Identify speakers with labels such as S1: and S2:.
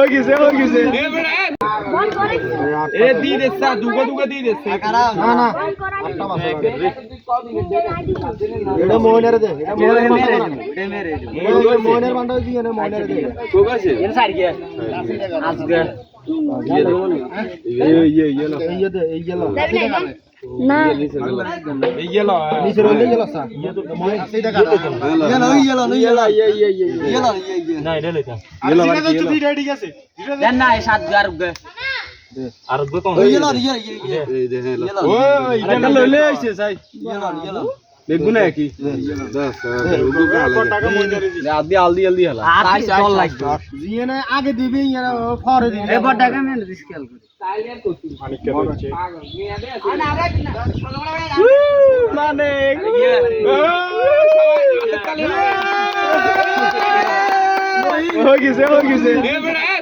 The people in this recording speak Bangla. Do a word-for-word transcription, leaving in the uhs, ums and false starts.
S1: हो गइसे हो गइसे ए दी देसा दुगो दुगो दी देसे ना ना আটটা বাসা এটা মোহনের দে এটা মোহনের মেরে দে মেরে দে মোহনের বান্ডা দিয়ে না মোহনের দে কোক আছে এর সাইড গিয়া আজকে এই এই এই লো এই দে এই লো না এই লো নিচে রইলে গেল সা ये तो मोहन सीधा कर ये लो ये लो ये लो ये ये ये ये लो ये না এটা লইতা ये लो ভাই তো দুইটা ঠিক আছে দেন না সাত গার গে আর গো কোন এই লো ये ये এই দে লো ওই এটা লইলে আইছে সাই ये लो ये लो বেগুনা কি দশ রুগু টাকা মইনা রে আদি আলদি আলদি হলা আর চল লাগবে জিয়ে না আগে দিবি এরা ফরে দিবি এবার টাকা মেন রিস্কেল করে সাইলের করছি মানিক কে হচ্ছে মেয়া দে আছে না আরে মানে हो गइसे हो गइसे